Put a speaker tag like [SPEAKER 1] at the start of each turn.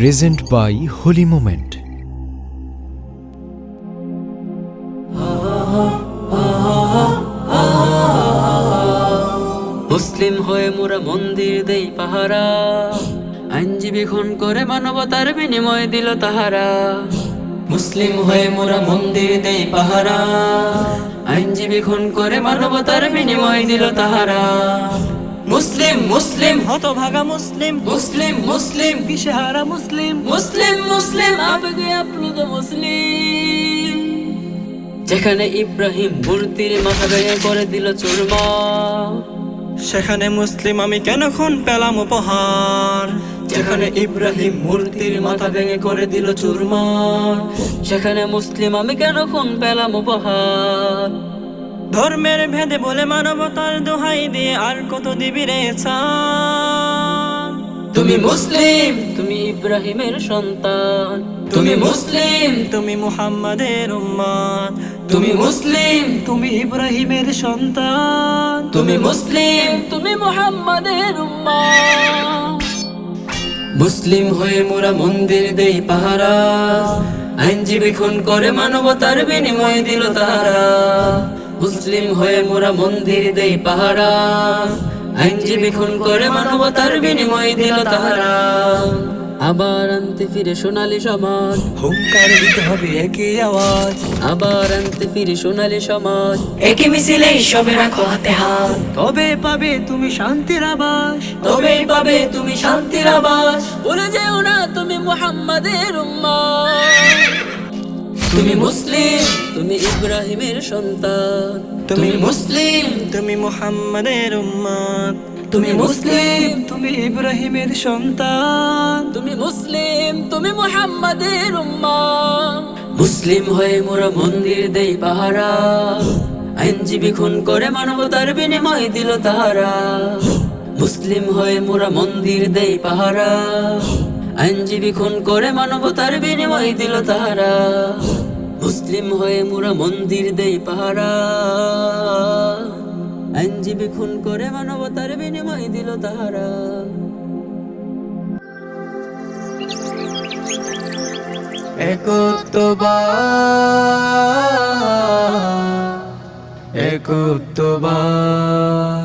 [SPEAKER 1] present by Holy Moment.
[SPEAKER 2] মুসলিম হয়ে মোরা মন্দির দেই পাহারা, আইনজীবী খুন করে মানবতার বিনিময় দিল তাহারা। মুসলিম হয়ে মোরা মন্দির দেই পাহারা, আইনজীবী খুন করে মানবতার বিনিময় দিল তাহারা। মুসলিম মুসলিম
[SPEAKER 3] হতভাগা মুসলিম,
[SPEAKER 2] মুসলিম মুসলিম
[SPEAKER 3] দিশেহারা মুসলিম,
[SPEAKER 2] মুসলিম মুসলিম আবেগে আপ্লুত মুসলিম। যেখানে ইব্রাহিম মূর্তির মাথা ভেঙে করে দিল চুরমার,
[SPEAKER 3] সেখানে মুসলিম আমি কেন খুন পেলাম উপহার।
[SPEAKER 2] যেখানে ইব্রাহিম মূর্তির মাথা ভেঙে করে দিল চুরমার, সেখানে মুসলিম আমি কেন খুন পেলাম উপহার।
[SPEAKER 3] ধর্মের ভেদে বলে মানবতার দোহাই দিয়ে আর কত দিবি রে ছাড়।
[SPEAKER 2] তুমি মুসলিম, তুমি ইব্রাহিমের সন্তান, তুমি মুসলিম,
[SPEAKER 3] তুমি মুহাম্মাদের উম্মত,
[SPEAKER 2] তুমি মুসলিম,
[SPEAKER 3] তুমি ইব্রাহিমের সন্তান,
[SPEAKER 2] তুমি মুসলিম, তুমি মুহাম্মাদের উম্মত। মুসলিম হয়ে মোরা মন্দির দেই পাহারা, আইনজীবী খুন করে মানবতার বিনিময় দিল তাহারা। মুসলিম হয়ে মোরা মন্দির দেই পাহারা, আইনজীবী খুন করে মানবতার বিনিময় দিল তাহারা। আবার আনতে ফিরে সোনালী সমাজ,
[SPEAKER 3] হুঙ্কার দিতে হবে একই আওয়াজ।
[SPEAKER 2] আবার আনতে ফিরে সোনালী সমাজ,
[SPEAKER 3] একই মিছিলে সবে রাখো হাতে হাত, তবে পাবে তুমি শান্তির আবাস,
[SPEAKER 2] তবেই পাবে তুমি শান্তির আবাস। ভুলে যেও না তুমি মুহাম্মাদের উম্মত। তুমি মুসলিম, তুমি ইব্রাহিমের সন্তান, তুমি মুসলিম,
[SPEAKER 3] তুমি মুহাম্মাদের উম্মত,
[SPEAKER 2] তুমি মুসলিম,
[SPEAKER 3] তুমি ইব্রাহিমের সন্তান,
[SPEAKER 2] তুমি মুসলিম, তুমি মুহাম্মাদের উম্মত। মুসলিম হয়ে মোরা মন্দির দেই পাহারা, আইনজীবী খুন করে মানবতার বিনিময় দিল তাহারা। মুসলিম হয়ে মোরা মন্দির দেই পাহারা, আইনজীবী খুন করে মানবতার বিনিময় দিল তাহারা। মুসলিম হয়ে মোরা মন্দির দেই পাহারা, আইনজীবী খুন করে মানবতার বিনিময় দিল তাহারা।
[SPEAKER 1] একত্ববাদ